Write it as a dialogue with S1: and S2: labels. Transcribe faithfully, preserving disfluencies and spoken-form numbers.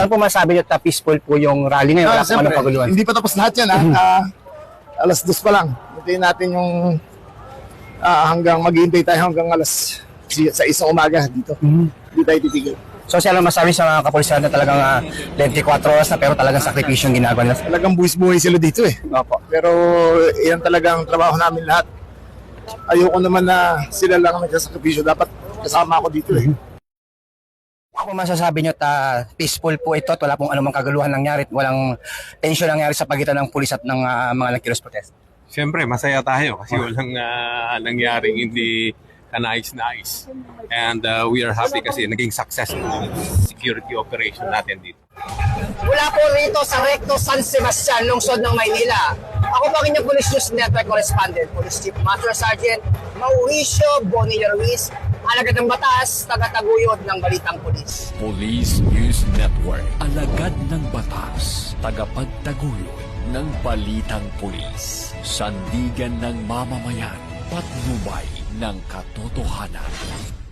S1: Ano po masabi niyo, ta peaceful po yung rally ngayon?
S2: Ah,
S1: Wala po anong kaguluhan?
S2: hindi pa tapos lahat yan. Ha? Ah, alas dos pa lang. Hintayin natin yung ah, hanggang maghihintay tayo hanggang alas sa isang umaga dito. Hindi tayo titigil.
S1: So siya lang masabi sa mga kapulisan na talagang uh, twenty-four oras na pero talagang sakripisyo yung ginagawa nila.
S2: Talagang buwis-buhay sila dito eh.
S1: Opo.
S2: Pero yan talagang trabaho namin lahat. Ayoko naman na sila lang ang nagsasakripisyo. Dapat kasama ako dito eh.
S1: Ako masasabi nyo, ta peaceful po ito at wala pong anumang kaguluhan nangyari at walang tension nangyari sa pagitan ng pulis at ng uh, mga nagkilos protest.
S3: Siyempre, masaya tayo kasi walang uh, nangyaring hindi kanais-nais. And uh, we are happy kasi naging successful yung security operation natin dito.
S1: Mula po rito sa Recto San Sebastian, lungsod ng Maynila. Ako po ang inyong Police News Network Correspondent, Police Chief Master Sergeant Mauricio Bonilla Ruiz, alagad ng batas, taga-taguyod ng Balitang Pulis.
S4: Police News Network, alagad ng batas, tagapagtaguyod ng Balitang Pulis, sandigan ng mamamayan, patnubay ng katotohanan.